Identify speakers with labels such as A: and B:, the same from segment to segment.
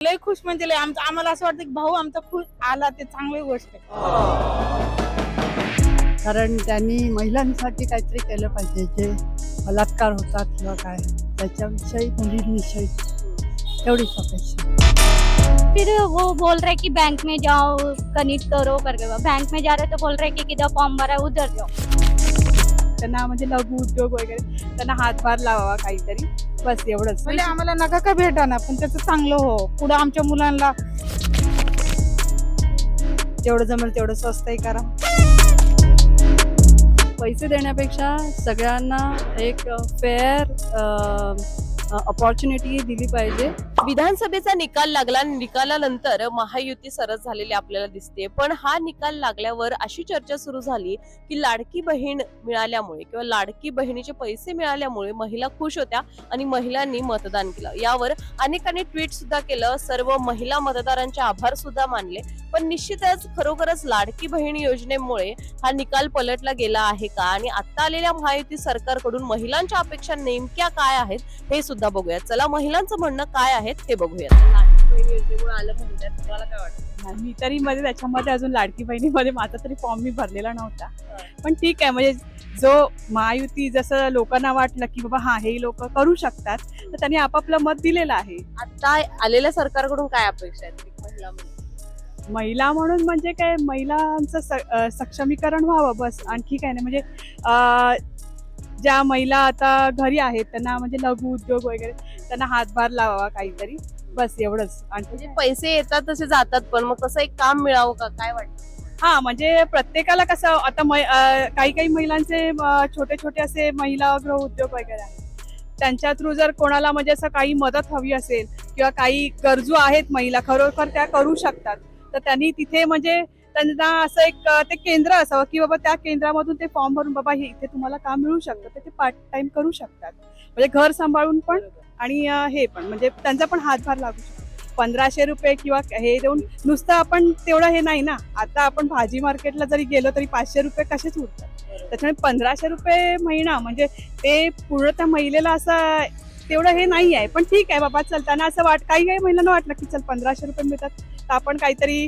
A: लय खुश म्हणजे लय आम्हाला असं वाटतं की भाऊ आमचा खुश आला ते चांगली गोष्ट आहे.
B: कारण त्यांनी महिलांसाठी काहीतरी केलं पाहिजे. जे बलात्कार होतात किंवा काय त्याच्याविषयी मुलींविषयी तेवढीच अपेक्षा.
C: फिर वो बोल रहे कि बैंक में जाओ कनेक्ट करो करके, बैंक में जा रहे तो बोल रहे कि किधर फॉर्म भरा है उधर जाओ.
D: त्यांना म्हणजे लघु उद्योग वगैरे त्यांना हातभार लावावा काहीतरी, बस एवढंच.
A: म्हणजे आम्हाला नका का भेटा ना, पण त्याचं चांगलं हो, पुढे आमच्या मुलांना
D: जेवढं जमेल तेवढं स्वस्तही करा. पैसे देण्यापेक्षा सगळ्यांना एक फेअर अपॉर्च्युनिटी दिली पाहिजे.
E: विधानसभेचा निकाल लागला आणि निकालानंतर महायुती सरस झालेली आपल्याला दिसते. पण हा निकाल लागल्यावर अशी चर्चा सुरू झाली की लाडकी बहीण मिळाल्यामुळे किंवा लाडकी बहिणीचे पैसे मिळाल्यामुळे महिला खुश होत्या आणि महिलांनी मतदान केलं. यावर अनेकांनी ट्विट सुद्धा केलं, सर्व महिला मतदारांचे आभार सुद्धा मानले. पण निश्चितच खरोखरच लाडकी बहीण योजनेमुळे हा निकाल पलटला गेला आहे का, आणि आता आलेल्या महायुती सरकारकडून महिलांच्या अपेक्षा नेमक्या काय आहेत हे सुद्धा बघूया. चला महिलांचं म्हणणं काय आहे हे बघूया. लाडकी बहीण योजनेमुळे आलं म्हणतात, तुम्हाला काय वाटतं?
D: मी तरी मध्ये त्याच्यामध्ये अजून लाडकी बहिणीमध्ये माझा तरी फॉर्म मी भरलेला नव्हता. पण ठीक आहे, म्हणजे जो महायुती जसं लोकांना वाटलं की बाबा हा हे लोक करू शकतात, तर त्यांनी आपापलं मत दिलेलं आहे.
E: आता आलेल्या सरकारकडून काय अपेक्षा आहेत महिला म्हणून?
D: महिला म्हणून म्हणजे काय, महिलांचं सक्षमीकरण व्हावं बस, आणखी काय नाही. म्हणजे ज्या महिला आता घरी आहेत त्यांना म्हणजे लघु उद्योग वगैरे त्यांना हातभार लावावा काहीतरी, बस एवढंच.
E: म्हणजे पैसे येतात तसे जातात, पण मग तसं एक काम मिळावं का, काय वाटतं?
D: हा, म्हणजे प्रत्येकाला कसं आता काही काही महिलांचे छोटे छोटे असे महिला गृह उद्योग वगैरे आहेत, त्यांच्या थ्रू जर कोणाला म्हणजे असं काही मदत हवी असेल किंवा काही गरजू आहेत महिला खरोखर त्या करू शकतात, तर त्यांनी तिथे म्हणजे त्यांना असं एक ते केंद्र असावं की बाबा त्या केंद्रामधून ते फॉर्म भरून बाबा हे इथे तुम्हाला काम मिळू शकतं, तर ते पार्ट टाइम करू शकतात. म्हणजे घर सांभाळून पण आणि हे पण म्हणजे त्यांचा पण हातभार लागू शकतो. 1500 रुपये किंवा हे देऊन नुसतं आपण तेवढं हे नाही ना. आता आपण भाजी मार्केटला जरी गेलो तरी 500 रुपये कसेच उरतात. त्याच्यामुळे 1500 रुपये महिना म्हणजे ते पूर्ण त्या महिलेला असं तेवढं हे नाही आहे. पण ठीक आहे बाबा, चल त्यांना असं काही काही महिलांना वाटलं की चल 1500 रुपये मिळतात तर आपण काहीतरी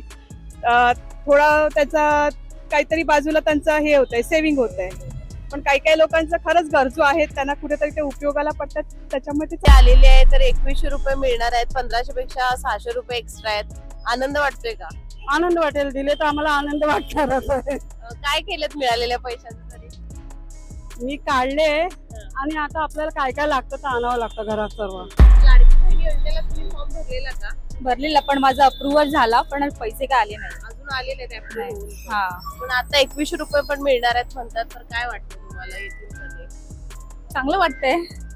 D: थोडा त्याचा काहीतरी बाजूला त्यांचं हे होतंय, सेव्हिंग होतंय. पण काही काही लोकांचं खरंच गरजू आहेत, त्यांना कुठेतरी ते उपयोगाला पडतात, त्याच्यामध्ये
E: ते आलेले आहे तर 2100 रुपये मिळणार आहेत, 1500 पेक्षा 600 रुपये एक्स्ट्रा आहेत. आनंद वाटतोय का?
B: आनंद वाटेल, दिले तर आम्हाला आनंद वाटणारच आहे.
E: काय केलेत मिळालेल्या पैशांचं तरी?
B: मी काढले आणि आता आपल्याला काय काय लागतं तर आणावं लागतं घरात सर्व.
E: लाडकी बहीण योजनेला तुम्ही फॉर्म भरलेला का?
C: भरलेला, पण माझा अप्रुव्हल झाला, पण पैसे काय आले नाही.
E: अजून आलेले नाही approve.
C: हा,
E: पण आता 2100 रुपये पण मिळणार आहेत म्हणतात, तर काय वाटतं तुम्हाला येतील का ते?
C: चांगलं वाटतंय,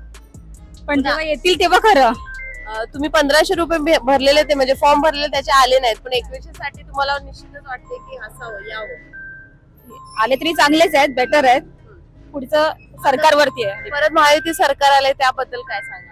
C: पण जेव्हा येतील तेव्हा खरं.
E: तुम्ही 1500 रुपये भरलेले ते म्हणजे फॉर्म भरलेले त्याचे आले नाहीत, पण 2100 साठी तुम्हाला निश्चितच वाटते की असावं यावं.
C: आले तरी चांगलेच आहेत, बेटर आहेत. पुढचं सरकारवरती आहे.
E: परत महायुती सरकार आले त्याबद्दल काय सांगाल?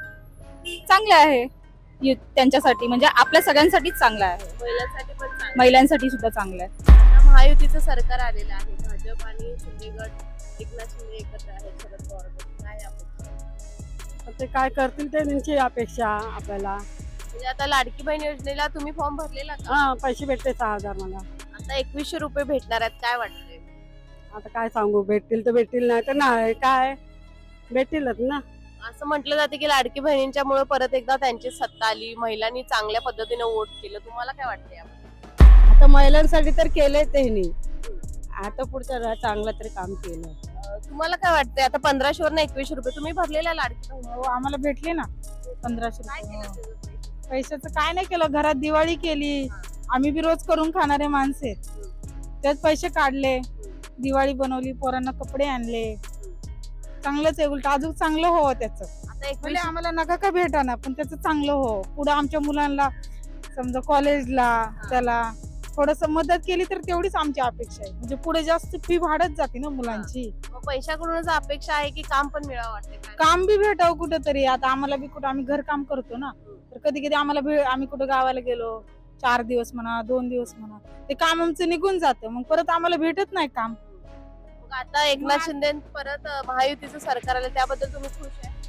C: चांगलं आहे त्यांच्यासाठी, म्हणजे आपल्या सगळ्यांसाठीच चांगलं आहे.
E: महिलांसाठी पण चांगलं.
C: महिलांसाठी सुद्धा चांगलं आहे.
E: आता महायुतीचं सरकार आलेलं आहे, भाजप आणि शिंदे गट, एकनाथ शिंदे एकत्र आहेत, शरद पवार गट. काय अपेक्षा?
B: ते काय करतील ते त्यांची अपेक्षा आपल्याला.
E: म्हणजे आता लाडकी बहीण योजनेला तुम्ही फॉर्म भरलेला का?
B: हा, पैसे भेटते 6000 मला.
E: आता 2100 रुपये भेटणार आहेत, काय वाटतंय?
B: आता काय सांगू, भेटतील तर भेटतील, नाही तर नाही, काय भेटतीलच ना.
E: असं म्हटलं जाते की लाडकी बहिणींच्यामुळे परत एकदा त्यांची सत्ता आली, महिलांनी चांगल्या पद्धतीने वोट केलं. तुम्हाला काय वाटतं याबद्दल?
B: आता महिलांसाठी तर केलंय त्यांनी, आता पुढचं चांगलं तरी काम केलं.
E: तुम्हाला काय वाटतंय? आता 1500 वरनं 2100 रुपये तुम्ही भरलेला लाडकी बहीण,
A: हो, आम्हाला भेटले ना 1500
E: काय
A: रुपये.
E: केलं
A: हो.
E: त्याचं पैसे?
A: पैशाचं काय नाही केलं, घरात दिवाळी केली. आम्ही बी रोज करून खाणारे माणसे, त्यात पैसे काढले, दिवाळी बनवली, पोरांना कपडे आणले. चांगलंच आहे, उलट अजून चांगलं हो त्याचं.
E: आता
A: म्हणजे
E: 2100
A: आम्हाला नका का भेटा ना, पण त्याचं चांगलं हो, पुढे आमच्या मुलांना समजा कॉलेजला त्याला थोडस मदत केली तर तेवढीच आमची अपेक्षा आहे. म्हणजे पुढे जास्त फी वाढत जाते ना मुलांची.
E: मग पैशाकडूनच अपेक्षा आहे की काम पण मिळावं वाटते काय?
A: काम बी भेटावं कुठंतरी. आता आम्हाला बी कुठं, आम्ही घर काम करतो ना, तर कधी कधी आम्हाला आम्ही कुठं गावाला गेलो 4 दिवस म्हणा, 2 दिवस म्हणा, ते काम आमचं निघून जातं, मग परत आम्हाला भेटत नाही काम.
E: मग आता एकनाथ शिंदे परत महायुतीचं सरकार आलं त्याबद्दल तुम्ही खुश आहे?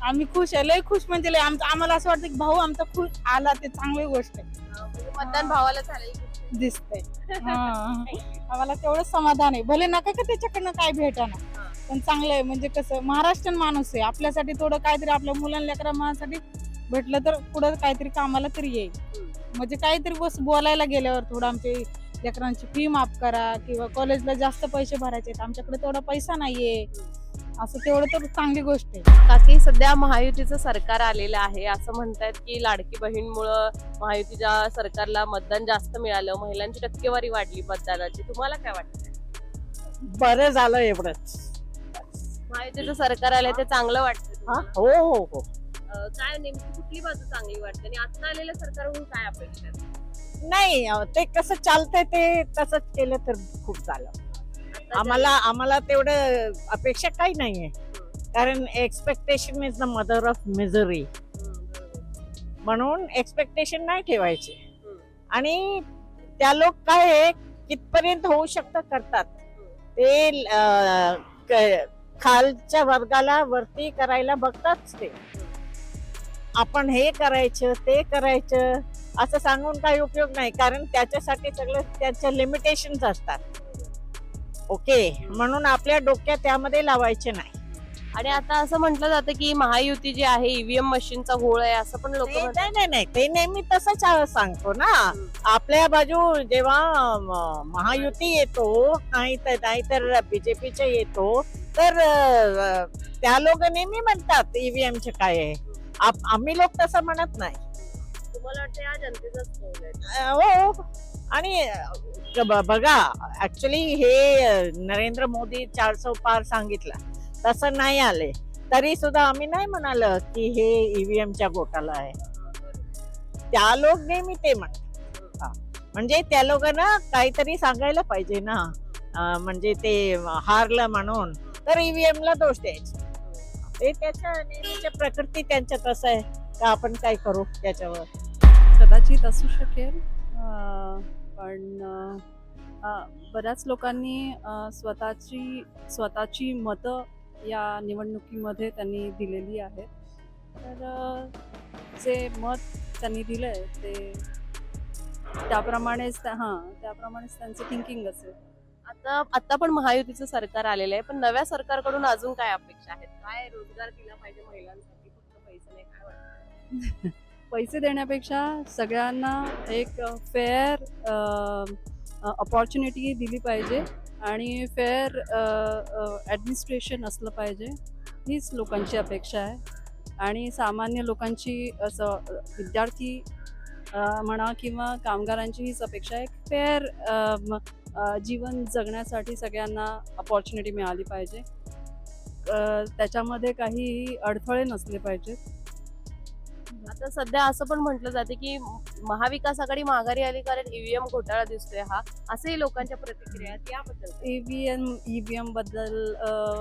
A: आम्ही खुश आहे, लय खुश म्हणजे लय. आम्हाला असं वाटतं की भाऊ आमचा खुश आला, ते चांगली गोष्ट आहे.
E: म्हणजे मतदान भावाला झालेलं
A: दिसतंय. आम्हाला तेवढं समाधान आहे. भले नका का त्याच्याकडनं काय भेटाना, पण चांगलं आहे. म्हणजे कसं महाराष्ट्रीयन माणूस आहे, आपल्यासाठी थोडं काहीतरी आपल्या मुलांना लेकरांसाठी भेटलं तर पुढं काहीतरी कामाला तरी येईल. म्हणजे काहीतरी बोलायला गेल्यावर थोडं आमच्या लेकरांची फी माफ करा किंवा कॉलेजला जास्त पैसे भरायचे आहेत, आमच्याकडे तेवढा पैसा नाहीये, असं तेवढं तर चांगली गोष्ट आहे.
E: काकी सध्या महायुतीचं सरकार आलेलं आहे, असं म्हणतायत की लाडकी बहीणमुळं महायुतीच्या सरकारला मतदान जास्त मिळालं, महिलांची टक्केवारी वाढली मतदानाची. तुम्हाला काय वाटतं?
B: बरं झालं एवढंच.
E: महायुतीचं सरकार आलंय ते चांगलं वाटतं
B: हा
E: तुम्हाला?
B: हो हो हो.
E: काय नेमकी कुठली बाजू चांगली वाटते आणि आता आलेल्या सरकारकडून काय अपेक्षा आहेत?
B: नाही ते कसं चालतंय ते तसंच केलं तर खूप झालं.
E: आता
B: आम्हाला तेवढं अपेक्षा काही नाहीये, कारण expectation is the mother of misery. म्हणून एक्सपेक्टेशन नाही ठेवायचे. आणि त्या लोक काय आहे, कितपर्यंत होऊ शकतं करतात ते. खालच्या वर्गाला वरती करायला बघतात ते. आपण हे करायचं ते करायचं असं सांगून काही उपयोग नाही, कारण त्याच्यासाठी सगळं त्याच्या लिमिटेशन्स असतात. ओके, म्हणून आपल्या डोक्यात त्यामध्ये लावायचे नाही.
E: आणि आता असं म्हटलं जातं की महायुती जी आहे ईव्हीएम मशीनचा घोळ आहे, असं पण लोक
B: नाही, ते नेहमी तसंच सांगतो ना. आपल्या बाजू जेव्हा महायुती येतो नाहीतर बीजेपीचे येतो, तर त्या लोक नेहमी म्हणतात ईव्हीएमचे काय आहे. आम्ही लोक तसं म्हणत नाही.
E: तुम्हाला वाटतं या जनतेचाच कौल आहे?
B: हो. आणि बघा, ऍक्च्युली हे नरेंद्र मोदी 400 पार सांगितलं, तसं नाही आले तरी सुद्धा आम्ही नाही म्हणाल की हे ईव्हीएमच्या घोटाळा आहे. त्या लोक नेहमी ते म्हणतात. म्हणजे त्या लोकांना काहीतरी सांगायला पाहिजे ना. म्हणजे ते हारलं म्हणून तर ईव्हीएम ला दोष द्यायचे. ते त्याच्या नेहमीच्या प्रकृती त्यांच्या तसं आहे का आपण काय करू त्याच्यावर.
F: कदाचित असू शकेल, पण बऱ्याच लोकांनी स्वतःची मतं या निवडणुकीमध्ये त्यांनी दिलेली आहेत. तर जे मत त्यांनी दिलंय ते त्याप्रमाणेच त्यांचं थिंकिंग असेल.
E: आता पण महायुतीचं सरकार आलेलं आहे, पण नव्या सरकारकडून अजून काय अपेक्षा आहेत? काय रोजगार दिला पाहिजे महिलांसाठी? फक्त पैसे नाही, काय वाटतं?
F: पैसे देण्यापेक्षा सगळ्यांना एक फेअर अपॉर्च्युनिटी दिली पाहिजे आणि फेअर ॲडमिनिस्ट्रेशन असलं पाहिजे, हीच लोकांची अपेक्षा आहे. आणि सामान्य लोकांची, असं विद्यार्थी म्हणा किंवा कामगारांची हीच अपेक्षा आहे. फेअर जीवन जगण्यासाठी सगळ्यांना अपॉर्च्युनिटी मिळाली पाहिजे. त्याच्यामध्ये काही अडथळे नसले पाहिजेत.
E: आता सध्या असं पण म्हटलं जाते की महाविकास आघाडी माघारी आली कारण ईव्हीएम घोटाळा दिसतोय हा, असंही लोकांच्या प्रतिक्रिया आहेत. याबद्दल
F: ईव्हीएम बद्दल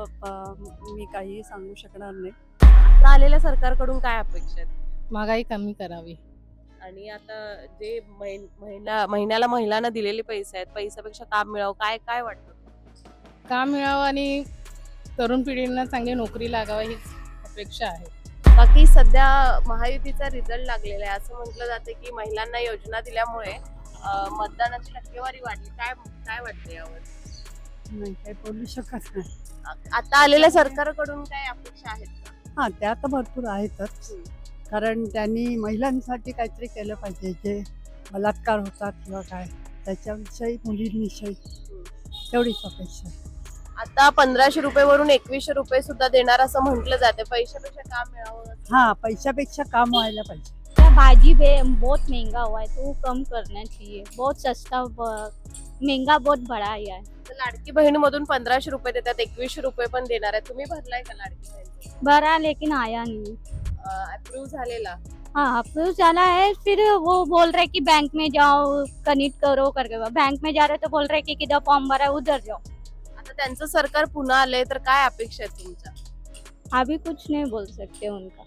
F: मी काही सांगू शकणार नाही.
E: आता आलेल्या सरकारकडून काय अपेक्षा आहेत?
G: महागाई कमी करावी.
E: आणि आता जे महिन्याला महिलांना दिलेले पैसे आहेत, पैशापेक्षा काम मिळावं, काय काय वाटतं?
G: काम मिळावं आणि तरुण पिढींना चांगली नोकरी लागावी हीच अपेक्षा आहे.
E: बाकी सध्या महायुतीचा रिझल्ट लागलेला आहे, असं म्हटलं जाते की महिलांना योजना दिल्यामुळे मतदानाची टक्केवारी वाढली. काय काय वाटतं यावर?
H: नाही काही बोलू शकत नाही.
E: आता आलेल्या सरकारकडून काय अपेक्षा आहेत का?
H: हा, त्या तर भरपूर आहेतच, कारण त्यांनी महिलांसाठी काहीतरी केलं पाहिजे. जे बलात्कार होतात किंवा काय त्याच्याविषयी, मुलींविषयी एवढीच अपेक्षा.
E: आता 1500 रुपयेवरून 2100 रुपये सुद्धा देणार असं म्हटलं जाते. पैशापेक्षा काम मिळावं.
H: हा, पैशापेक्षा काम व्हायला पाहिजे.
C: भाजी बहुत महंगा हुआ है तो वो कम करना चाहिए. बहुत सस्ता महंगा बहुत बढ़ा है.
E: तर लाडकी बहीणमधून 1500 रुपये देतात, 2100 रुपये पण देणार आहे. तुम्ही भरलाय का लाडकी बहीण?
C: भरा लेकिन आया नहीं.
E: अप्रूव्ह झालेला?
C: हाँ, अप्रूव चला है. फिर वो बोल रहे कि बैंक में जाओ कनेक्ट करो करके. बैंक में जा रहे तो बोल रहे कि किधर फॉर्म भरा है उधर जाओ.
E: आता त्यांचं सरकार पुन्हा आलंय तर काय अपेक्षा आहेत तुमच्या?
C: अभी कुछ नहीं बोल सकते उनका.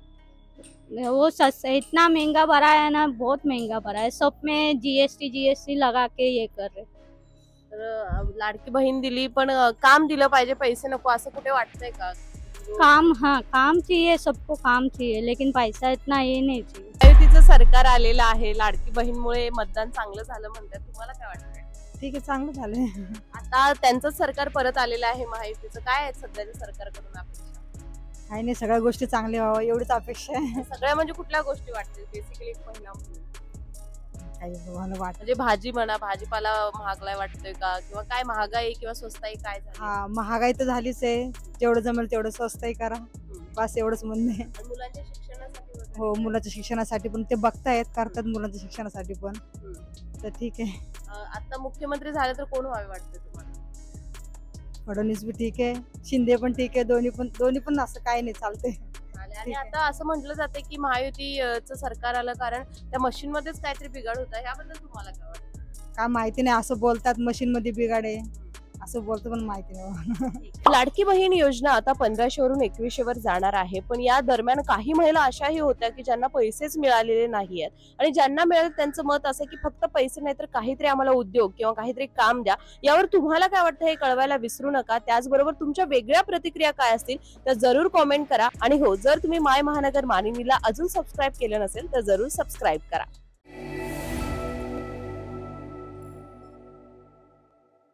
C: वो इतना महंगा भरा है ना, बहुत महंगा भरा है. सब में जीएसटी लगा के ये कर रहे.
E: तर लाडकी बहीण दिली पण काम दिलं पाहिजे, पैसे नको असं कुठे वाटतंय का?
C: काम, हाँ काम चाहिए, सबको काम चाहिए, लेकिन पैसा इतना ये नहीं चाहिए.
E: महायुतीचं सरकार आलेलं आहे, लाडकी बहीणमुळे मतदान चांगलं झालं म्हणतात, तुम्हाला काय वाटतंय?
A: ठीक आहे, चांगलं झालंय.
E: आता त्यांचंच सरकार परत आलेलं आहे महायुतीचं, काय आहे सध्याच्या सरकारकडून अपेक्षा?
A: काही नाही, सगळ्या गोष्टी चांगल्या व्हावं एवढीच अपेक्षा आहे.
E: सगळ्या म्हणजे कुठल्या गोष्टी वाटतील बेसिकली महिला म्हणून?
A: काही मला वाटत.
E: म्हणजे भाजी म्हणा, भाजीपाला महागलाय वाटतोय का, किंवा काय महागाई किंवा स्वस्ताई काय झाली?
A: हा, महागाई तर झालीच आहे. जेवढं जमेल तेवढं स्वस्तही करा, बस एवढंच म्हणणं आहे.
E: आणि मुलांच्या शिक्षणासाठी वगैरे?
A: हो, मुलाच्या शिक्षणासाठी पण ते बघतायत, करतात मुलांच्या शिक्षणासाठी पण, तर ठीक आहे.
E: आता मुख्यमंत्री झाले तर कोण व्हावे वाटतं तुम्हाला?
A: फडणवीस बी ठीक आहे, शिंदे पण ठीक आहे, दोन्ही पण असं काही नाही, चालतंय.
E: आणि
A: ठीक आहे.
E: आता असं म्हटलं जाते की महायुतीचं सरकार आलं कारण त्या मशीन मध्येच काहीतरी बिघाड होता, याबद्दल तुम्हाला काय वाटतं?
A: काय माहिती नाही, असं बोलतात मशीन मध्ये बिघाडे, असं बोलतं पण माहिती नाही.
E: लाडकी बहीण योजना आता 1500 वरून 2100 वर जाणार आहे, पण या दरम्यान काही महिला अशाही होत्या की ज्यांना पैसेच मिळालेले नाहीयेत, आणि ज्यांना मिळाले त्यांचं मत असं की फक्त पैसे नाही तर काहीतरी आम्हाला उद्योग किंवा काहीतरी काम द्या. यावर तुम्हाला काय वाटतं हे कळवायला विसरू नका. त्याचबरोबर तुमच्या वेगळ्या प्रतिक्रिया काय असतील त्या जरूर कॉमेंट करा. आणि हो, जर तुम्ही माय महानगर मानिनीला अजून सबस्क्राईब केलं नसेल तर जरूर सबस्क्राईब करा.